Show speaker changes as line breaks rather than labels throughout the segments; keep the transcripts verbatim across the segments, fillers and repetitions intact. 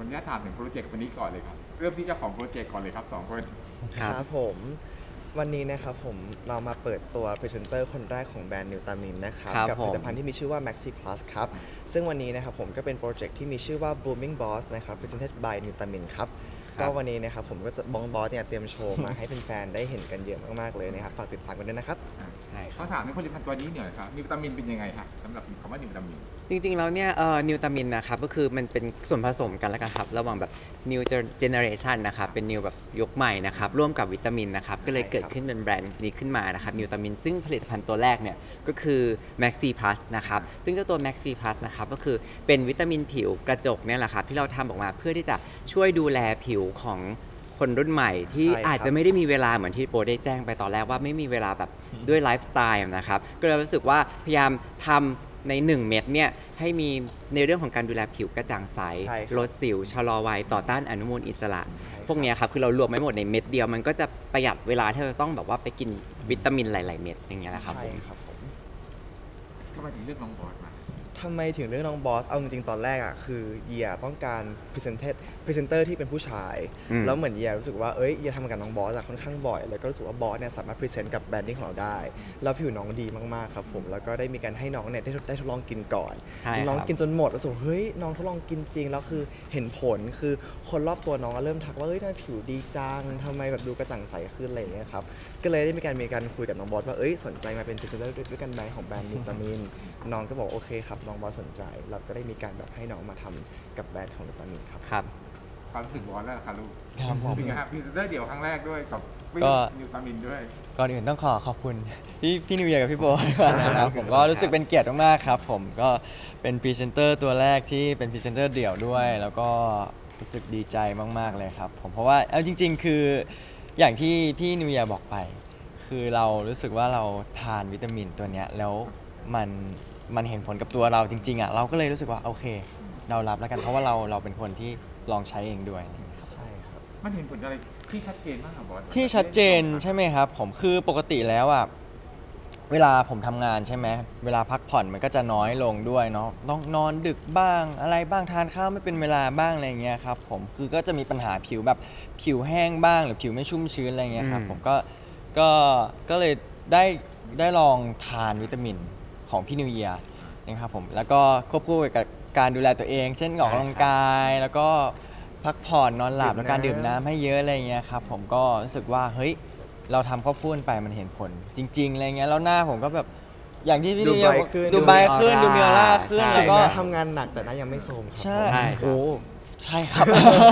อนุญาตถามถึงโปรเจกต์วันนี้ก่อนเลยครับเริ่มที่เจ้าของโปรเจกต์ก่อนเลยครับสองคน
ครับผมวันนี้นะครับผมเรามาเปิดตัวพรีเซนเตอร์คนแรกของแบรนด์นิวตามินนะครับ
ครับ
กับผลิต
ผม
ภัณฑ์ที่มีชื่อว่า Maxi Plus ครับซึ่งวันนี้นะครับผมก็เป็นโปรเจกต์ที่มีชื่อว่า Blooming Boss นะครับ Presented by นิวตามินครับก็วันนี้นะครับผมก็จะบองบอสเนี่ยเตรียมโชว์มาให้แฟนๆได้เห็นกันเยอะมากๆเลยนะครับฝากติดตามกันด้วยนะครับ
ใช่ครั
เขา
บ
ถามในผลิตภัณฑ์ตัวนี้หน่อยครับนิวตามินเป็นยังไงครับสำหรับคำว่านิวตามิน
จริงๆแล้วเนี่ยเอ่อนิวตามินนะครับก็คือมันเป็นส่วนผสมกันแล้วกันครับระหว่างแบบ new generation นะครับเป็น new แบบยกใหม่นะครับร่วมกับวิตามินนะครับก็เลยเกิดขึ้นเป็นแบรนด์นี้ขึ้นมานะครับนิวตามินซึ่งผลิตภัณฑ์ตัวแรกเนี่ยก็คือ Maxi Plus นะครับซึ่งเจ้าตัว Maxi Plus นะครับก็คือเป็นวิตามินผิวกระจกเนี่ยแหละครับที่เราทำออกมาเพื่อที่จะช่วยดูแลผิวของคนรุ่นใหม่ที่
ใช่ครับ
อาจจะไม่ได้มีเวลาเหมือนที่โปรได้แจ้งไปตอนแรกว่าไม่มีเวลาแบบด้วยไลฟ์สไตล์นะครับก็เลยรู้สึกว่าพยายามทำใน หนึ่ง เม็ดเนี่ยให้มีในเรื่องของการดูแลผิวกระจ่างใส
ใช่ครับ
ลดสิวชะลอวัยต่อต้านอนุมูลอิสระ
ใช่ครับ
พวกเนี้ยครับคือเรารวมไม่หมดในเม็ดเดียวมันก็จะประหยัดเวลาที่เราต้องแบบว่าไปกินวิตามินหลาย ๆ เม็ดอย่างเงี้ยแหละครับ
ใช่
ผม
ครับผม
ทำไมถึงเลือกน้องบอสมา
ทำไมถึงเรื่องน้องบอส เอาจริงๆ ตอนแรกอ่ะคือเยียต้องการพรีเซนเตอร์พรีเซนเตอร์ที่เป็นผู้ชาย
อืม
แล้วเหมือนเยียรู้สึกว่า เอ้ยเยียทำกับน้องบอสอะค่อนข้างบ่อย แล้วก็รู้สึกว่าบอสเนี่ยสามารถพรีเซนต์กับแบรนดิ้งของเราได้ แล้วผิวน้องดีมากๆ ครับผม แล้วก็ได้มีการให้น้องเนี่ยได้ได้ทดลองกินก่อน
ใช่ครับ
น้องกินจนหมดแล้วรู้สึกว่าเฮ้ยน้องทดลองกินจริง แล้วคือเห็นผล คือคนรอบตัวน้องก็เริ่มทักว่า เฮ้ยทำไมผิวดีจังทำไมแบบดูกระจ่างใสขึ้นอะไรอย่างเงี้ยครับ ก็เลยได้มีการมีการคุยกับน้องบอสว่า เอ้ยสนใจมาเป็นพรีเซนเตอร์ด้วยกันไหมของแบรนด์นิวตามิน น้องก็บอกโอเคครับน้องบอสสนใจ เราก็ได้มีการแบบให้น้องมาทำกับแบรนด์ของนิวตามินครับ
ครับ
ความรู้สึกบอสแล้วล่ะครับลูก
ครับผม
เป็นไงครับพรีเซนเตอร์เดี่ยวครั้งแรกด้วยกับ
ก็
นิวตามินด้วย
ก่อนอื่นต้องขอขอบคุณพี่พี่นิวเยียร์กับพี่โบก่อนนะครับผมก็รู้สึกเป็นเกียรติมากๆครับผมก็เป็นพรีเซนเตอร์ตัวแรกที่เป็นพรีเซนเตอร์เดี่ยวด้วย แล้วก็รู้สึกดีใจมากๆเลยครับผมเพราะว่าเอาจริง ๆ คืออย่างที่พี่นิวเยียร์บอกไป คือเรารู้สึกว่าเราทานวิตามินตัวเนี้ยแล้วมันมันเห็นผลกับตัวเราจริงๆอ่ะเราก็เลยรู้สึกว่าโอเค เรารับแล้วกันเพราะว่าเราเราเป็นคนที่ลองใช้เองด้วย
ใช่ครับ
มันเห็นผลอะไรที่ชัดเจนมากครับบอส
ที่ชัดเจนใช่ไหมครับผมคือปกติแล้วอ่ะเวลาผมทำงานใช่ไหมเวลาพักผ่อนมันก็จะน้อยลงด้วยเนาะต้องนอนดึกบ้างอะไรบ้างทานข้าวไม่เป็นเวลาบ้างอะไรเงี้ยครับผมคือก็จะมีปัญหาผิวแบบผิวแห้งบ้างหรือผิวไม่ชุ่มชื้นอะไรเงี้ยครับ
อืม
ผมก็ก็ก็เลยได้ได้ลองทานวิตามินของพี่นิวเยียร์นะครับผมแล้วก็ควบคู่กับการดูแลตัวเอง เช่นออกกำลังกายแล้วก็พักผ่อนนอนหลับ
ดื่ม
แล้วการ
น้ำ
ดื่มน้ำให้เยอะอะไรเงี้ยครับผมก็รู้สึกว่าเฮ้ยเราทำควบคู่กันไปมันเห็นผล จริง ๆอะไรเงี้ยแล้วหน้าผมก็แบบอย่างที่พี่
ดู
นิวเยียร์
ไบรท์
บอก
ขึ้น
ดูไบรท์ขึ้น
ดู
ดู
มี
มี
อ
อ
อ
อ
ร่า
ร่าขึ้น
ใช่
แล้ว
ถึง
ก็
แม้ทำงานหนักแต่หน้ายังไม่โทรมครับ
ใช่
ใช่ครับ
โอ้ใช่ครับ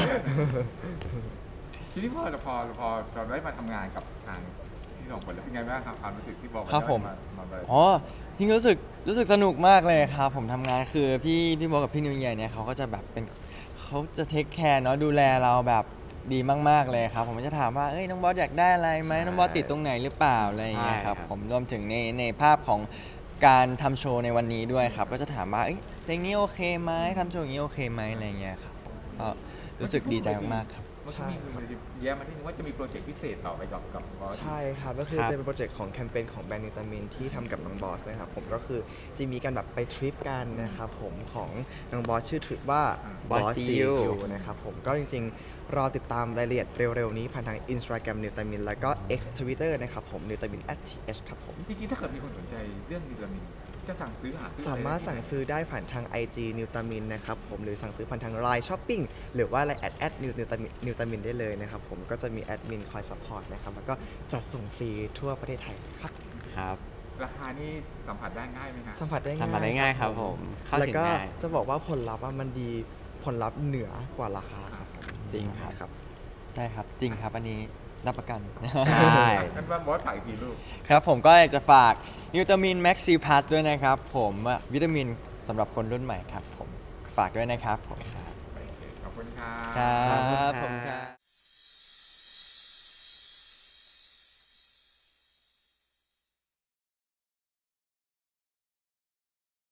ทีนี้พอเราพอพอเราได้มาทำงานกับทางที่สองคนแล้วเป็นไงบ้างครับความรู้สึกที่บอกว่า
ครับผม
ได้มามา
อ๋อจริงๆรู้สึกรู้สึกสนุกมากเลยครับผมทำงานคือพี่พี่โบกับพี่นิวเยียร์เนี่ยเขาก็จะแบบเป็นเขาจะเทคแคร์เนาะดูแลเราแบบดีมากๆเลยครับผมจะถามว่าเอ้ยน้องบอสอยากได้อะไรไหม
ใช่
น้องบอสติดตรงไหนหรือเปล่าอะไรอย่างเงี้ยครับ
ใช่ครับ
ผมรวมถึงในในภาพของการทำโชว์ในวันนี้ด้วยครับก็จะถามว่าเอ้ยเพลงนี้โอเคไหมทำโชว์อย่างนี้โอเคไหมอะไรอย่างเงี้ยครับผมก็รู้สึกดีใจมากๆครับ
มันก็มีมันจะแย้มมาที่นึงว่าจะมีโปรเจกต์พิเศษต่อไปกับกับบอส
ใช่ครับ ก็คือ
ครับ
จะเป็นโปรเจกต์ของแคมเปญของแบรนด์นิวตามินที่ทำกับน้องบอสนะครับผมก็คือจะมีการแบบไปทริปกันนะครับผมของน้องบอสชื่อทริปว่า
Boss
Boss
See
See
You
You นะครับผมก็จริงๆ รอติดตามรายละเอียดเร็วๆ นี้ผ่านทาง Instagram นิวตามินแล้วก็ X Twitter นะครับผมนิวตามิน แอท ที เอช ครับผม
จริงๆถ้าเกิดมีคนสนใจเรื่องนิวตามินจะสั่งซื้อหาซื้อ
สามารถสั่งซื้อได้ผ่านทาง ไอ จี นิวตามินนะครับผมหรือสั่งซื้อผ่านทาง ไลน์ Shopping หรือว่า ไลน์ แอด แอด นิวตามินนิวตามินได้เลยนะครับผมก็จะมีแอดมินคอยซัพพอร์ตนะครับแล้วก็จัดส่งฟรีทั่วประเทศไทยครับ
ครับ
ราคานี่สัมผัสได้ง่ายไหมครับ
สัมผัสได้ง่าย
สัมผัสได้ง่ายครับผมเข้า
แล้ว
ถึง
ก็
ง่าย
จะบอกว่าผลลัพธ์อะมันดีผลลัพธ์เหนือกว่าราคาครับผม
จริงครับ
ครับ
ใช่ครับจริงครับอันนี้รับประกัน
ใช่
งั้นว่าบอสถ่ายอีกทีลูก
ครับผมก็อยากจะฝากนิวตามินแม็กซีพลัสด้วยนะครับผมอะวิตามินสำหรับคนรุ่นใหม่ครับผมฝากด้วยนะครับผม
โอเคขอบคุณครั
ครับ บ